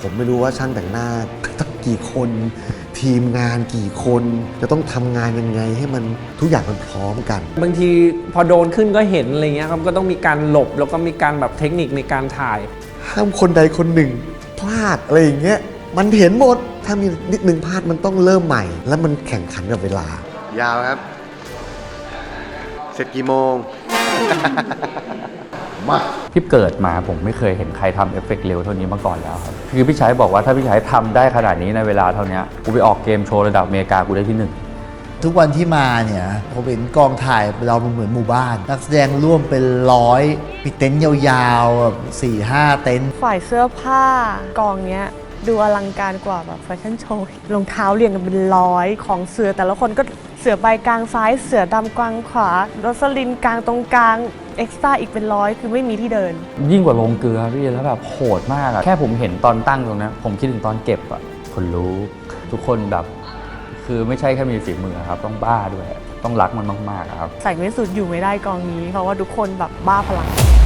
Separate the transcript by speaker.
Speaker 1: ผมไม่รู้ว่าช่างแต่งหน้าต้องกี่คนทีมงานกี่คนจะต้องทำงานยังไงให้มันทุกอย่างมันพร้อมกัน
Speaker 2: บางทีพอโดนขึ้นก็เห็นอะไรเงี้ยครับก็ต้องมีการหลบแล้วก็มีการแบบเทคนิคในการถ่าย
Speaker 1: ห้ามคนใดคนหนึ่งพลาดอะไรอย่างเงี้ยมันเห็นหมดถ้ามีนิดนึงพลาดมันต้องเริ่มใหม่ แล้วมันแข่งขันกับเวลายาวครับเสร็จกี่โมง มา
Speaker 3: ที่เกิดมาผมไม่เคยเห็นใครทำเอฟเฟกต์เร็วเท่านี้มาก่อนแล้วครับคือพี่ชัยบอกว่าถ้าพี่ชัยทำได้ขนาดนี้ในเวลาเท่านี้กูไปออกเกมโชว์ระดับอเมริกากูได้ที่1
Speaker 4: ทุกวันที่มาเนี่ยผมเห็นกองถ่ายเราเหมือนหมู่บ้านนักแสดงร่วมเป็น100มีเต็นท์ยาวๆแบบ4-5 เต็นท์
Speaker 5: ฝ่ายเสื้อผ้ากองเนี้ยดูอลังการกว่าแบบแฟชั่นโชว์รองเท้าเรียงกันเป็น100ของเสือแต่ละคนก็เสือใบกลางซ้ายเสือดำกลางขวาโรสลินกลางตรงกลางเอ็กซ์ตร้าอีกเป็น100คือไม่มีที่เดิน
Speaker 3: ยิ่งกว่าลงเกลือพี่แล้วแบบโหดมากอะแค่ผมเห็นตอนตั้งตรงนั้นผมคิดถึงตอนเก็บอะคนรู้ทุกคนแบบคือไม่ใช่แค่มีฝีมือครับต้องบ้าด้วยต้องรักมันมากๆครับ
Speaker 5: ใส่ไม่สุดอยู่ไม่ได้กองนี้เพราะว่าทุกคนแบบบ้าพลัง